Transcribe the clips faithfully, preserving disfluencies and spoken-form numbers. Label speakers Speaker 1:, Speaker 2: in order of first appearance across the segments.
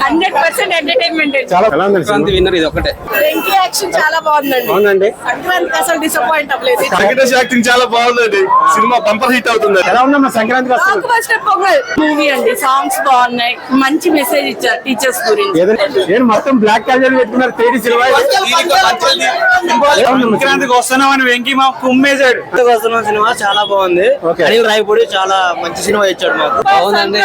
Speaker 1: Hundred percent entertainment.
Speaker 2: చాలా Sankranti winner ఇది ఒకటే.
Speaker 1: వెంకీ యాక్షన్ చాలా బాగుందండి.
Speaker 2: అవునండి.
Speaker 1: సంక్రాంతి అసలు డిసప్పాయింట్ అవ్వలేదు.
Speaker 3: వెంకటేష్ యాక్టింగ్ చాలా బాగుందండి. సినిమా బంపర్ హిట్ అవుతుంది.
Speaker 2: ఎలా ఉందమ్మా సంక్రాంతి వస్తుంది?
Speaker 1: బ్లాక్ బస్టర్ పొంగల్ మూవీ అండి. సాంగ్స్ బాగున్నాయి, మంచి మెసేజ్ ఇచ్చారు టీచర్స్ గురించి.
Speaker 2: నేను మొత్తం బ్లాక్ క్యాజువల్ పెట్టుకున్నారు. తేడి సినిమా
Speaker 4: సంక్రాంతికి వస్తున్నామని వెంకీ మా కుమ్మేశాడు. వస్తున్నాం సినిమా చాలా బాగుంది. అనిల్ రాయపూడి చాలా మంచి సినిమా ఇచ్చాడు మాకు. బాగుందండి.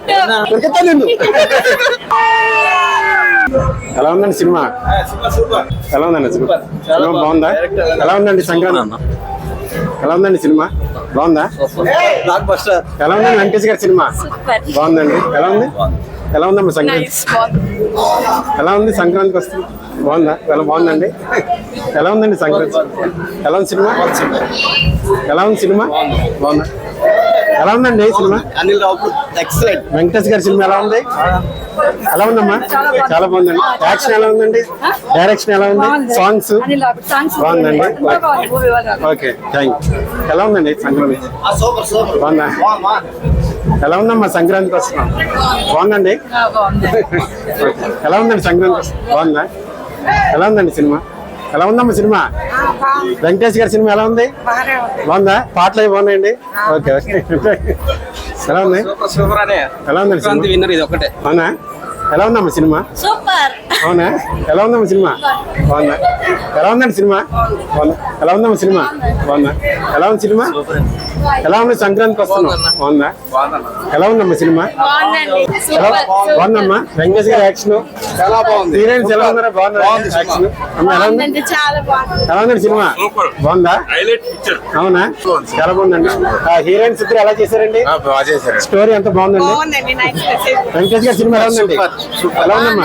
Speaker 2: ఎలా ఉందండి సినిమా? ఎలా ఉందండి సినిమా? సినిమా బాగుందా? ఎలా ఉందండి సంక్రాంతి? ఎలా ఉందండి సినిమా? బాగుందా?
Speaker 4: Blockbuster.
Speaker 2: ఎలా ఉందండి వెంకటేష్ గారి సినిమా? బాగుందండి. ఎలా ఉంది? ఎలా ఉందమ్మా సంక్రాంతి? ఎలా ఉంది సంక్రాంతికి వస్తుంది? బాగుందా? ఎలా బాగుందండి? ఎలా ఉందండి సంక్రాంతి? ఎలా ఉంది సినిమా? ఎలా ఉంది సినిమా? బాగుందా? ఎలా ఉందండి సినిమా?
Speaker 4: అనిల్ రావుపూడి ఎక్సలెంట్.
Speaker 2: వెంకటేష్ గారి సినిమా ఎలా ఉంది? ఎలా ఉందమ్మా? చాలా బాగుందండి. యాక్షన్ ఎలా ఉందండి? డైరెక్షన్ ఎలా ఉంది? సాంగ్స్ బాగుందండి. Okay thank you. ఎలా ఉందండి సంక్రాంతి? బాగుందా? ఎలా ఉందమ్మా సంక్రాంతికి వస్తున్నాం? బాగుందండి. ఎలా ఉందండి సంక్రాంతి? బాగుందా? ఎలా ఉందండి సినిమా? ఎలా ఉందమ్మా సినిమా? వెంకటేష్ గారి సినిమా ఎలా ఉంది? బాగుందా? పాటలు అవి బాగున్నాయండి. Okay okay. ఎలా ఉంది? ఎలా ఉందండి సంక్రాంతి విన్నర్ ఇది ఒకటే. అవునా? ఎలా ఉందమ్మా సినిమా?
Speaker 1: సూపర్.
Speaker 2: అవునా? ఎలా ఉందమ్మా సినిమా? బాగుందా? ఎలా ఉందండి సినిమా? బాగుందా? ఎలా ఉందమ్మా సినిమా? బాగుందా? ఎలా ఉంది సినిమా? ఎలా ఉంది సంక్రాంతికి వస్తున్నాం? బాగుందా? ఎలా ఉందమ్మా సినిమా? ఎలా బాగుందమ్మా? వెంకటేష్ గారి యాక్షన్ చాలా బాగుంది. హీరోయిన్స్ ఎలా ఉన్నారా? బాగున్నారా యాక్షన్? ఎలా ఉంది? ఎలా ఉందండి సినిమా? బాగుందా? అవునా? చాలా బాగుందండి. హీరోయిన్స్ ఇద్దరు ఎలా చేశారండి? స్టోరీ ఎంత బాగుందండి? వెంకటేష్ గారి సినిమా ఎలా ఉందండి? ఎలా ఉందమ్మా?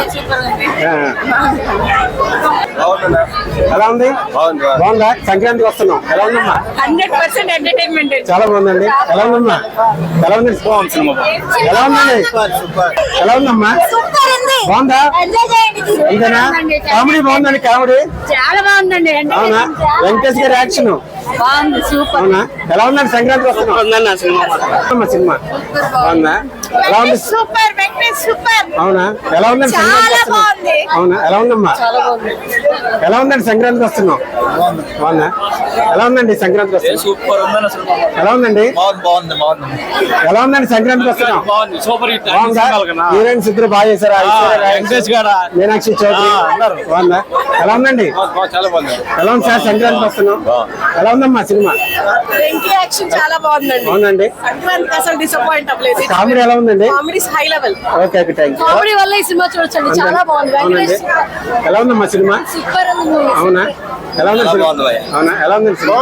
Speaker 2: ఎలా ఉంది? బాగుందా? సంక్రాంతికి వస్తున్నాం. ఎలా ఉందమ్మా?
Speaker 1: Hundred percent entertainment.
Speaker 2: చాలా బాగుందండి. ఎలా ఉందమ్మా? ఎలా ఉంది? ఎలా ఉందండి? ఎలా ఉందమ్మా? బాగుందా? అంతేనా? కామెడీ బాగుందండి. కామెడీ
Speaker 1: చాలా బాగుందండి.
Speaker 2: అవునా? వెంకటేష్ గారి యాక్షన్
Speaker 1: బాగుంది. సూపర్.
Speaker 2: అవునా? ఎలా ఉందండి సంక్రాంతికి వస్తున్నాం? సినిమా సినిమా బాగుందా? ఎలా ఉంది?
Speaker 1: సూపర్. వెంకటేష్ సూపర్.
Speaker 2: అవునా? ఎలా ఉందండి సంక్రాంతికి వస్తున్నాం? అవునా? ఎలా ఉందమ్మా? ఎలా ఉందండి సంక్రాంతికి వస్తున్నాం? బాగుందా? ఎలా ఉందండి సంక్రాంతికి వస్తున్నాం?
Speaker 4: సూపర్ ఉందన్న సినిమా.
Speaker 2: ఎలా ఉందండి?
Speaker 4: బాగుంది బాగుంది.
Speaker 2: ఎలా ఉందండి సంక్రాంతికి వస్తున్నాం?
Speaker 4: బాగుంది. Super hit.
Speaker 2: బాగుందా? హీరోయిన్స్ ఇద్దరు బాగా చేశారా?
Speaker 4: వెంకటేష్ గారు,
Speaker 2: మీనాక్షి చౌదరి బాగుందా? ఎలా ఉందండి?
Speaker 4: చాలా బాగుంది.
Speaker 2: ఎలా ఉంది సార్ సంక్రాంతికి వస్తున్నాం? ఎలా ఉందమ్మా సినిమా?
Speaker 1: వెంకీ యాక్షన్ చాలా బాగుందండి.
Speaker 2: అవునండి.
Speaker 1: సంక్రాంతి అసలు డిసప్పాయింట్ అవ్వలేదు.
Speaker 2: కామెడీ ఎలా ఉందండి?
Speaker 1: Comedy high level.
Speaker 2: Okay okay thank you.
Speaker 1: Comedy వల్ల ఈ సినిమా చూడొచ్చండి. చాలా బాగుంది.
Speaker 2: అవునండి. ఎలా ఉందమ్మా సినిమా?
Speaker 1: సూపర్ ఉంది.
Speaker 2: అవునా? ఎలా ఉంది సినిమా? అవునా? ఎలా ఉంది సినిమా?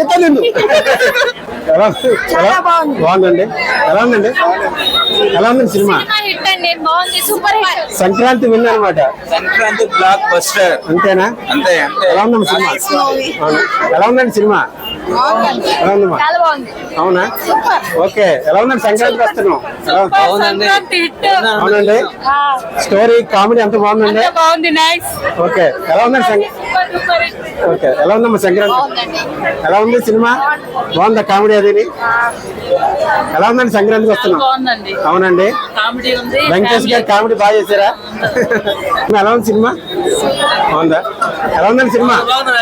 Speaker 2: ఎలా
Speaker 1: చాలా బాగుంది.
Speaker 2: బాగుందండి. ఎలా ఉందండి? ఎలా ఉందండి సినిమా?
Speaker 1: హిట్ అండి. బాగుంది. Super hit.
Speaker 2: సంక్రాంతి విన్ అనమాట.
Speaker 4: Sankranti blockbuster.
Speaker 2: అంతేనా?
Speaker 4: అంతే.
Speaker 2: ఎలా ఉందమ్మా సినిమా? అవునా? ఎలా ఉందండి సినిమా? ఎలా ఉందమ్మా?
Speaker 1: చాలా బాగుంది.
Speaker 2: అవునా? ఓకే. ఎలా ఉందండి సంక్రాంతికి వస్తున్నాం?
Speaker 1: సంక్రాంతి హిట్.
Speaker 2: అవునండి. స్టోరీ కామెడీ ఎంత బాగుందండి?
Speaker 1: బాగుంది. నైస్.
Speaker 2: ఓకే. ఎలా ఉందండి సంక్రాంతి? ఓకే. ఎలా ఉందమ్మా సంక్రాంతి? ఎలా ఉంది సినిమా? బాగుందా కామెడీ అది? ఎలా ఉందండి సంక్రాంతికి వస్తున్నాం?
Speaker 1: బాగుందండి.
Speaker 2: అవునండి.
Speaker 1: కామెడీ ఉంది.
Speaker 2: వెంకటేష్ గారు కామెడీ బాగా చేశారా? ఎలా ఉంది సినిమా? బాగుందా? ఎలా ఉందండి సినిమా?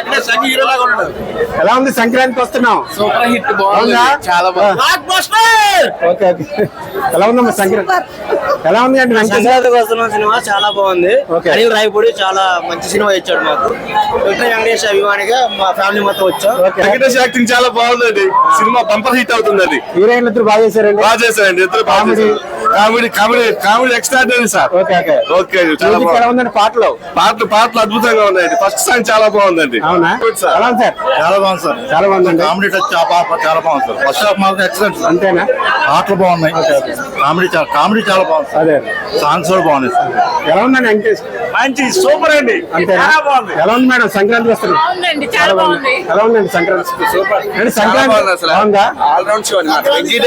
Speaker 2: ఎలా ఉంది సంక్రాంతికి వస్తున్నాం?
Speaker 4: Super hit.
Speaker 2: బాగుందా?
Speaker 4: చాలా బాగుంది.
Speaker 2: Okay okay. ఎలా ఉందమ్మా సంక్రాంతి? ఎలా ఉంది అండి వెంకటేష్?
Speaker 4: సంక్రాంతికి వస్తున్న సినిమా చాలా బాగుంది. అనిల్ రాయపూడి చాలా మంచి సినిమా ఇచ్చాడు మాకు. వెంకటేష్ అభిమానిగా మా ఫ్యామిలీ మొత్తం వచ్చాం.
Speaker 3: వెంకటేష్ యాక్టింగ్ చాలా బాగుందండి. సినిమా బంపర్ హిట్ అవుతుంది. అది
Speaker 2: హీరోయిన్లు ఇద్దరు బాగా చేశారండి.
Speaker 3: బాగా చేశారండి. ఇద్దరు comedy comedy comedy comedy extraordinary sir.
Speaker 2: Okay okay
Speaker 3: okay. చాలా
Speaker 2: మ్యూజిక్ ఎలా ఉందండి? పాటలు
Speaker 3: పాటలు పాటలు అద్భుతంగా ఉన్నాయండి. ఫస్ట్ సాంగ్ చాలా బాగుందండి.
Speaker 2: అవునా? ఎలా ఉంది సార్?
Speaker 4: చాలా బాగుంది సార్.
Speaker 2: చాలా బాగుందండి.
Speaker 4: కామెడీ టచ్ చాలా బాగుంది సార్. ఫస్ట్ హాఫ్ మాత్రం ఎక్సలెంట్.
Speaker 2: అంతేనా?
Speaker 4: పాటలు బాగున్నాయి. కామెడీ కామెడీ చాలా బాగుంది.
Speaker 2: అదే
Speaker 4: సాంగ్స్ కూడా బాగున్నాయి సార్.
Speaker 2: ఎలా ఉందండి వెంకటేష్?
Speaker 4: మంచి సూపర్ అండి.
Speaker 2: అంతేనా? ఎలా ఉంది మేడం సంక్రాంతి వస్తుంది?
Speaker 1: బాగుందండి. చాలా బాగుంది.
Speaker 2: ఎలా ఉందండి సంక్రాంతి? అంటే సంక్రాంతి బాగుందా?
Speaker 3: ఆల్రౌండ్ షో అన్నమాట.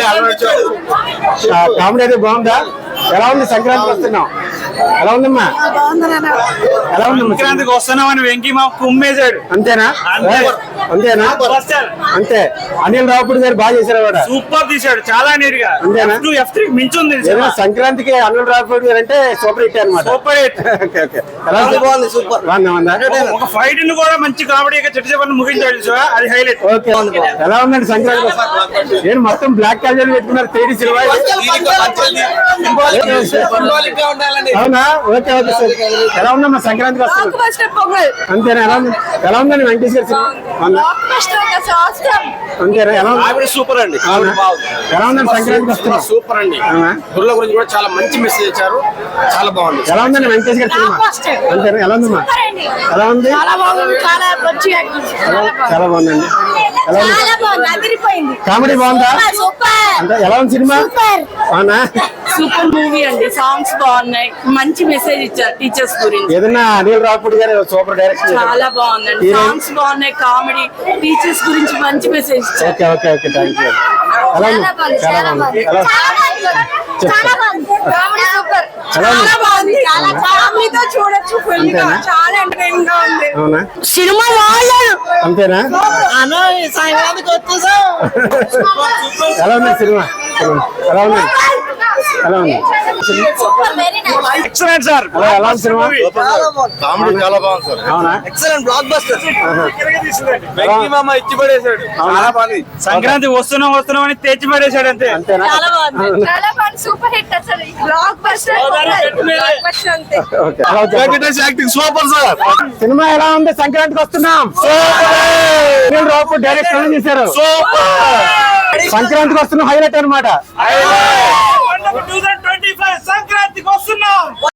Speaker 2: కామెడీ అయితే బాగుందా? ఎలా ఉంది సంక్రాంతికి వస్తున్నాం? ఎలా ఉందమ్మా? ఎలా ఉందమ్మా?
Speaker 4: సంక్రాంతికి వస్తున్నామని వెంకీ మా కుమ్మేశాడు.
Speaker 2: అంతేనా? అంతేనా అంతే అనిల్ రావుపూడి గారు బాగా చేశారు కూడా
Speaker 5: సూపర్ తీశాడు చాలా నీట్ గా
Speaker 2: అంతేనా?
Speaker 5: టూ ఎఫ్ త్రీ మించుంది
Speaker 2: ఏదైనా సంక్రాంతికి అనిల్ రావుపూడి గారు అంటే సూపర్ హిట్ అనమాట
Speaker 5: సూపర్ హిట్.
Speaker 2: ఓకే ఓకే ఎలా ఉంది?
Speaker 4: బాగుంది సూపర్
Speaker 2: బాగుందా ఉందా?
Speaker 5: ఒక ఫైట్ ని కూడా మంచి కామెడీగా చెట్టు చెప్పని ముగించాడు చూసావా? అది హైలైట్.
Speaker 2: ఓకే ఎలా ఉందండి సంక్రాంతి? నేను మొత్తం బ్లాక్ క్యాజువల్ పెట్టుకున్నారు తేడి సినిమా అవునా? ఓకే ఓకే సార్ ఎలా ఉందమ్మా సంక్రాంతికి వస్తుంది అంతేనా? ఎలా ఉంది ఎలా ఉందండి వెంకటేష్ గారి సినిమా బాగుందా? అంతేనా ఎలా ఉంది?
Speaker 3: ఆవిడ సూపర్ అండి.
Speaker 2: అవునా? ఎలా ఉందండి సంక్రాంతికి వస్తున్నా
Speaker 3: సూపర్ అండి.
Speaker 2: అవునా?
Speaker 3: గుర్ల గురించి కూడా చాలా మంచి మెసేజ్ ఇచ్చారు. చాలా బాగుంది.
Speaker 2: ఎలా ఉందండి వెంకటేష్ గారి సినిమా అంతేనా? ఎలా ఉందమ్మా? ఎలా ఉంది?
Speaker 1: చాలా బాగుంది, చాలా మంచి యాక్టింగ్.
Speaker 2: చాలా బాగుందండి. ఎలా ఉంది?
Speaker 1: చాలా బాగుంది, అదిరిపోయింది.
Speaker 2: కామెడీ బాగుందా?
Speaker 1: సూపర్
Speaker 2: అంటే ఎలా ఉంది సినిమా? అవునా?
Speaker 1: సూపర్ మూవీ అండి. సాంగ్స్ బాగున్నాయి, మంచి మెసేజ్ ఇచ్చారు టీచర్స్ గురించి.
Speaker 2: ఏదన్నా అనిల్ రావుపూడి గారు సూపర్ డైరెక్షన్
Speaker 1: చాలా బాగుందండి.
Speaker 2: హీరోయిన్?
Speaker 1: సాంగ్స్ బాగున్నాయి, కామెడీ, టీచర్స్ గురించి మంచి మెసేజ్ ఇచ్చారు.
Speaker 2: Okay okay okay thank you. ఎలా ఉంది? చాలా బాగుంది. ఎలా ఉంది?
Speaker 1: చాలా బాగుంది, కామెడీ సూపర్.
Speaker 2: ఎలా ఉంది?
Speaker 1: చాలా బాగుంది, చాలా ఫ్యామిలీతో చూడొచ్చు. ఫుల్ గా
Speaker 2: అంతేనా?
Speaker 1: చాలా ఎంటర్టైనింగ్ గా ఉంది.
Speaker 2: అవునా?
Speaker 1: సినిమా బాగుంది.
Speaker 2: అంతేనా? ఎలా ఉంది సినిమా? ఎలా ఉంది? ఎలా ఉంది?
Speaker 5: Excellent sir.
Speaker 2: ఎలా ఎలా ఉంది సినిమా?
Speaker 3: కామెడీ చాలా బాగుంది సార్.
Speaker 2: అవునా?
Speaker 4: Excellent block buster.
Speaker 3: వెంకీ మామ ఇచ్చి పడేశాడు. చాలా బాగుంది.
Speaker 5: సంక్రాంతి వస్తున్నాం వస్తున్నాం అని తెచ్చి పడేశాడు అంతే.
Speaker 2: అంతేనా?
Speaker 1: చాలా బాగుంది, చాలా బాగుంది, సూపర్ హిట్. అసలు బ్లాక్ బస్టర్, బ్లాక్ బస్టర్ అంతే.
Speaker 2: ఓకే ఎలా ఉంది?
Speaker 3: Venkatesh acting super sir.
Speaker 2: Cinema ఎలా ఉంది? సంక్రాంతికి వస్తున్నాం. అనిల్ రావుపూడి డైరెక్షన్ చేశారు. సంక్రాంతికి వస్తున్నాం హైలైట్ అనమాట.
Speaker 5: సంక్రాంతికి వస్తున్నాం.